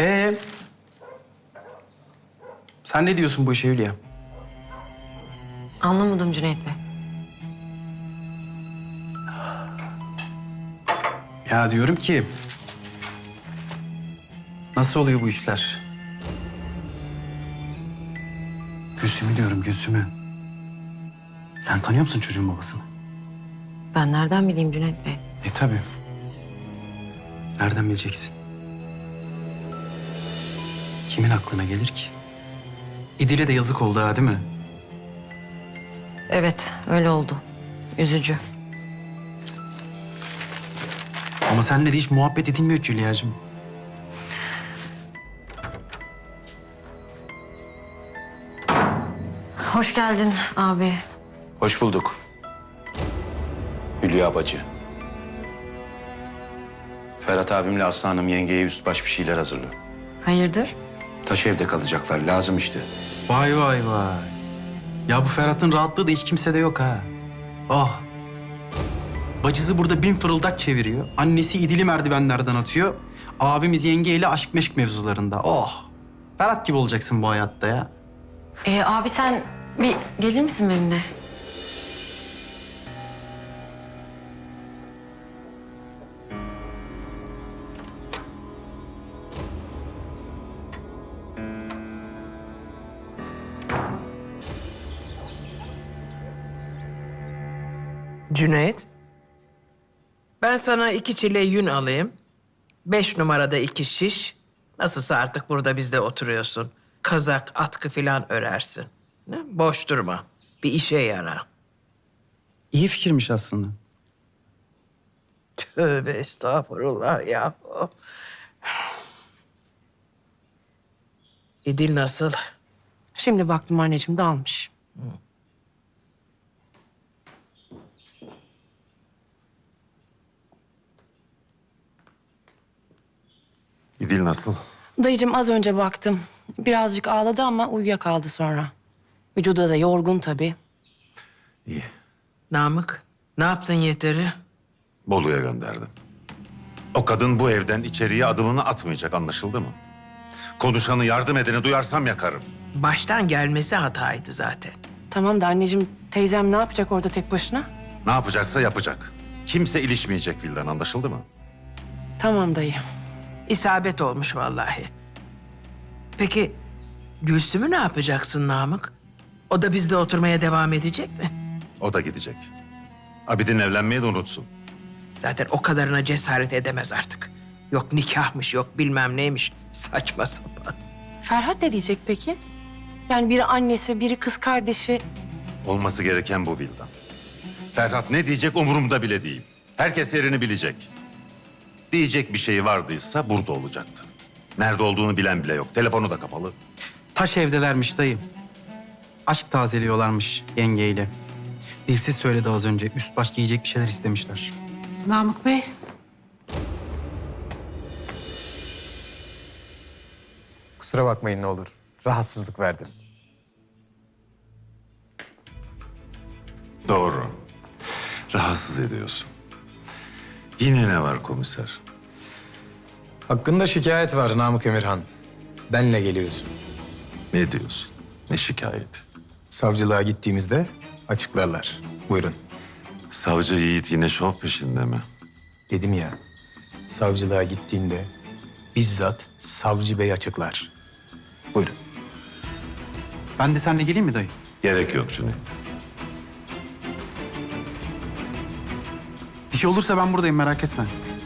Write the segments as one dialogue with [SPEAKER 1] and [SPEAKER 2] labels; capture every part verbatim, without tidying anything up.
[SPEAKER 1] Ee, sen ne diyorsun bu işe Hülya?
[SPEAKER 2] Anlamadım Cüneyt Bey.
[SPEAKER 1] Ya diyorum ki... Nasıl oluyor bu işler? Gülsüm'ü diyorum, Gülsüm'ü. Sen tanıyor musun çocuğun babasını?
[SPEAKER 2] Ben nereden bileyim Cüneyt Bey?
[SPEAKER 1] E tabii. Nereden bileceksin? Kimin aklına gelir ki? İdil'e de yazık oldu ha, değil mi?
[SPEAKER 2] Evet, öyle oldu. Üzücü.
[SPEAKER 1] Ama seninle de hiç muhabbet edilmiyor ki Hülya'cığım.
[SPEAKER 2] Hoş geldin abi.
[SPEAKER 3] Hoş bulduk. Hülya bacı. Ferhat abimle Aslı Hanım yengeye üst baş bir şeyler hazırlıyor.
[SPEAKER 2] Hayırdır?
[SPEAKER 3] Taş evde kalacaklar. Lazım işte.
[SPEAKER 1] Vay vay vay. Ya bu Ferhat'ın rahatlığı da hiç kimsede yok ha. Oh. Bacısı burada bin fırıldak çeviriyor. Annesi İdil'i merdivenlerden atıyor. Abimiz yengeyle aşk meşk mevzularında. Oh. Ferhat gibi olacaksın bu hayatta ya.
[SPEAKER 2] Ee, abi sen bir gelir misin benimle?
[SPEAKER 4] Cüneyt, ben sana iki çile yün alayım. Beş numarada iki şiş. Nasılsa artık burada bizde oturuyorsun. Kazak, atkı falan örersin. Ne? Boş durma. Bir işe yara.
[SPEAKER 1] İyi fikirmiş aslında.
[SPEAKER 4] Tövbe estağfurullah ya. İdil nasıl?
[SPEAKER 2] Şimdi baktım anneciğim dalmış.
[SPEAKER 5] İdil nasıl?
[SPEAKER 2] Dayıcığım az önce baktım. Birazcık ağladı ama uyuyakaldı sonra. Vücuda da yorgun tabii.
[SPEAKER 5] İyi.
[SPEAKER 4] Namık, ne yaptın yeteri?
[SPEAKER 5] Bolu'ya gönderdim. O kadın bu evden içeriye adımını atmayacak, anlaşıldı mı? Konuşanı, yardım edeni duyarsam yakarım.
[SPEAKER 4] Baştan gelmesi hataydı zaten.
[SPEAKER 2] Tamam da anneciğim teyzem ne yapacak orada tek başına?
[SPEAKER 5] Ne yapacaksa yapacak. Kimse ilişmeyecek Vildan, anlaşıldı mı?
[SPEAKER 2] Tamam dayı.
[SPEAKER 4] İsabet olmuş vallahi. Peki Gülsüm'ü ne yapacaksın Namık? O da bizde oturmaya devam edecek mi?
[SPEAKER 5] O da gidecek. Abidin evlenmeyi de unutsun.
[SPEAKER 4] Zaten o kadarına cesaret edemez artık. Yok nikahmış, yok bilmem neymiş. Saçma sapan.
[SPEAKER 2] Ferhat ne diyecek peki? Yani biri annesi, biri kız kardeşi.
[SPEAKER 5] Olması gereken bu Vildan. Ferhat ne diyecek umurumda bile değil. Herkes yerini bilecek. Diyecek bir şey vardıysa burada olacaktı. Nerede olduğunu bilen bile yok. Telefonu da kapalı.
[SPEAKER 1] Taş evdelermiş dayı. Aşk tazeliyorlarmış yengeyle. Dilsiz söyledi az önce. Üst baş giyecek bir şeyler istemişler.
[SPEAKER 6] Namık Bey.
[SPEAKER 7] Kusura bakmayın ne olur. Rahatsızlık verdim.
[SPEAKER 5] Doğru. Rahatsız ediyorsun. Yine ne var komiser?
[SPEAKER 7] Hakkında şikayet var Namık Emirhan. Benle geliyorsun.
[SPEAKER 5] Ne diyorsun? Ne şikayet?
[SPEAKER 7] Savcılığa gittiğimizde açıklarlar. Buyurun.
[SPEAKER 5] Savcı Yiğit yine şov peşinde mi?
[SPEAKER 7] Dedim ya, savcılığa gittiğinde bizzat savcı bey açıklar. Buyurun.
[SPEAKER 1] Ben de seninle geleyim mi dayı?
[SPEAKER 5] Gerek yok Cüneyt.
[SPEAKER 1] Bir şey olursa ben buradayım, merak etme.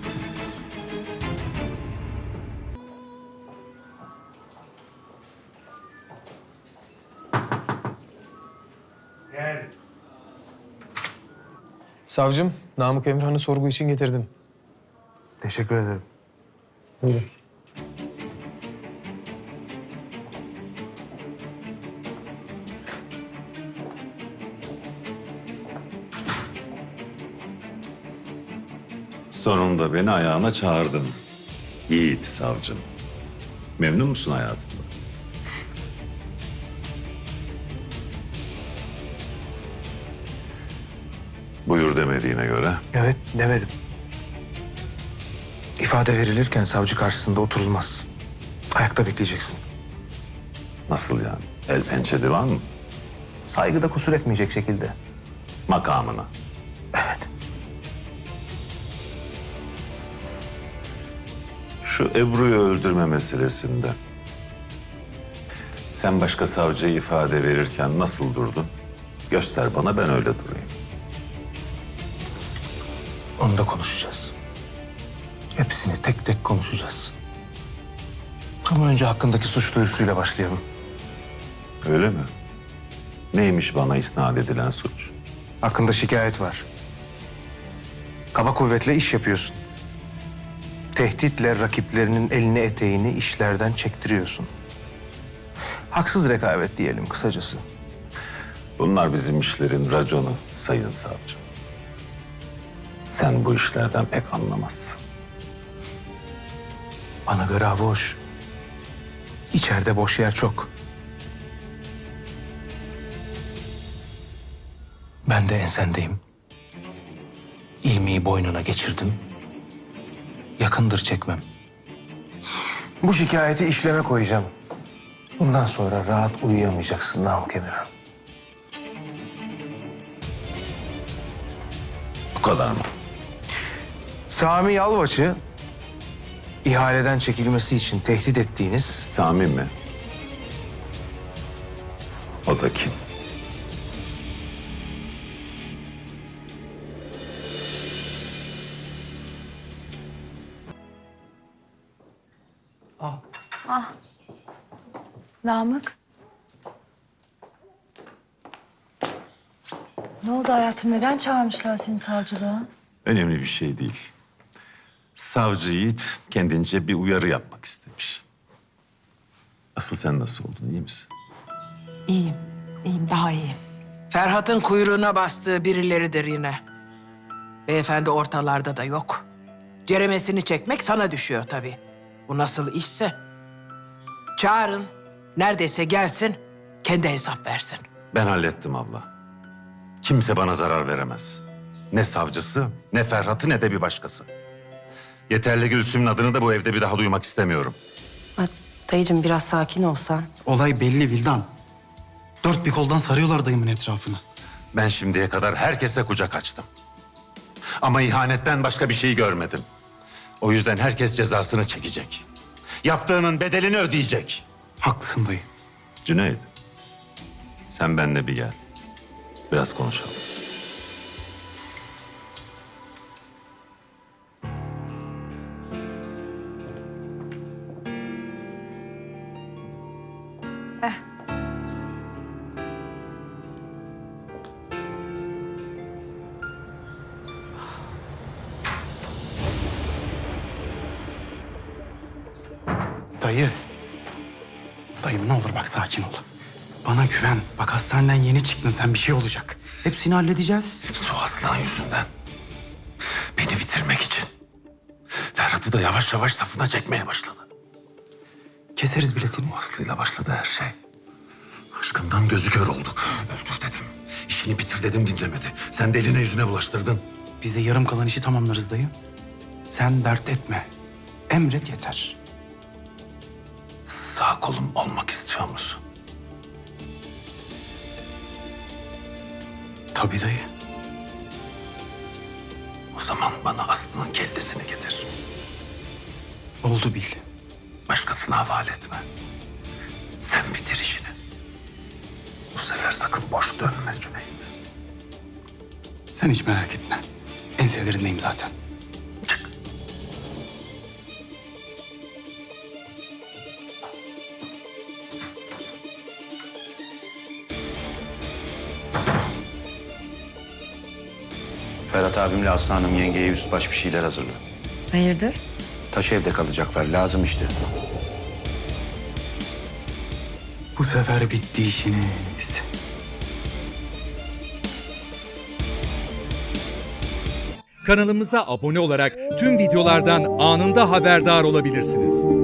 [SPEAKER 7] Savcım, Namık Emirhan'ı sorgu için getirdim.
[SPEAKER 1] Teşekkür ederim.
[SPEAKER 7] Buyurun.
[SPEAKER 5] Sonunda beni ayağına çağırdın. Yiğit savcım. Memnun musun hayatında? Buyur demediğine göre.
[SPEAKER 8] Evet, demedim. İfade verilirken savcı karşısında oturulmaz.
[SPEAKER 6] Ayakta bekleyeceksin.
[SPEAKER 5] Nasıl yani? El pençe divan mı?
[SPEAKER 6] Saygıda kusur etmeyecek şekilde.
[SPEAKER 5] Makamına.
[SPEAKER 6] Evet.
[SPEAKER 5] Şu Ebru'yu öldürme meselesinde sen başka savcıya ifade verirken nasıl durdun? Göster bana, ben öyle durayım.
[SPEAKER 6] Onu da konuşacağız. Hepsini tek tek konuşacağız. Ama önce hakkındaki suç duyurusuyla başlayalım.
[SPEAKER 5] Öyle mi? Neymiş bana isnat edilen suç?
[SPEAKER 6] Hakkında şikayet var. Kaba kuvvetle iş yapıyorsun. Tehditle rakiplerinin elini eteğini işlerden çektiriyorsun. Haksız rekabet diyelim kısacası.
[SPEAKER 5] Bunlar bizim işlerin raconu sayın savcım. Sen bu işlerden pek anlamazsın.
[SPEAKER 6] Bana göre hava hoş. İçeride boş yer çok. Ben de ensendeyim. İlmiyi boynuna geçirdim. Yakındır çekmem. Bu şikayeti işleme koyacağım. Bundan sonra rahat uyuyamayacaksın Namık Emirhan.
[SPEAKER 5] Bu kadar mı?
[SPEAKER 6] Sami Yalvaç'ı ihaleden çekilmesi için tehdit ettiğiniz
[SPEAKER 5] Sami mi? O da kim?
[SPEAKER 8] Namık. Ne oldu hayatım? Neden çağırmışlar seni savcılığa?
[SPEAKER 5] Önemli bir şey değil. Savcı Yiğit kendince bir uyarı yapmak istemiş. Asıl sen nasıl oldun, iyi misin?
[SPEAKER 8] İyiyim. İyiyim, daha iyiyim.
[SPEAKER 4] Ferhat'ın kuyruğuna bastığı birileridir yine. Beyefendi ortalarda da yok. Ceremesini çekmek sana düşüyor tabii. Bu nasıl işse. Çağırın, neredeyse gelsin, kendi hesap versin.
[SPEAKER 5] Ben hallettim abla. Kimse bana zarar veremez. Ne savcısı, ne Ferhat'ı, ne de bir başkası. Yeterli Gülsüm'ün adını da bu evde bir daha duymak istemiyorum.
[SPEAKER 2] Ay, dayıcığım biraz sakin olsan.
[SPEAKER 1] Olay belli Vildan. Dört bir koldan sarıyorlar dayımın etrafını.
[SPEAKER 5] Ben şimdiye kadar herkese kucak açtım. Ama ihanetten başka bir şey görmedim. O yüzden herkes cezasını çekecek. Yaptığının bedelini ödeyecek.
[SPEAKER 1] Haklısın dayı.
[SPEAKER 5] Cüneyt, sen benimle bir gel. Biraz konuşalım.
[SPEAKER 1] Dayı. Dayım ne olur bak sakin ol. Bana güven. Bak hastaneden yeni çıktın sen, bir şey olacak. Hepsini halledeceğiz.
[SPEAKER 5] Su aslan yüzünden. Beni bitirmek için. Ferhat'ı da yavaş yavaş safına çekmeye başladı.
[SPEAKER 1] Keseriz biletini.
[SPEAKER 5] Bu Aslı'yla başladı her şey. Aşkından gözü kör oldu. Öldür dedim. İşini bitir dedim, dinlemedi. Sen de eline yüzüne bulaştırdın.
[SPEAKER 1] Biz de yarım kalan işi tamamlarız dayı. Sen dert etme. Emret yeter.
[SPEAKER 5] Sağ kolum olmak istiyor musun?
[SPEAKER 1] Tabii dayı.
[SPEAKER 5] O zaman bana Aslı'nın kellesini getir.
[SPEAKER 1] Oldu bil.
[SPEAKER 5] Başkasına havale etme. Sen bitir işini. Bu sefer sakın boş dönme Cüneyt.
[SPEAKER 1] Sen hiç merak etme. Enselerindeyim zaten.
[SPEAKER 5] Çık.
[SPEAKER 3] Ferhat abimle Aslı Hanım yengeye üst baş bir şeyler hazırlıyor.
[SPEAKER 2] Hayırdır?
[SPEAKER 3] Taş evde kalacaklar, lazım işte.
[SPEAKER 1] Bu sefer bitti işiniz.
[SPEAKER 9] Kanalımıza abone olarak tüm videolardan anında haberdar olabilirsiniz.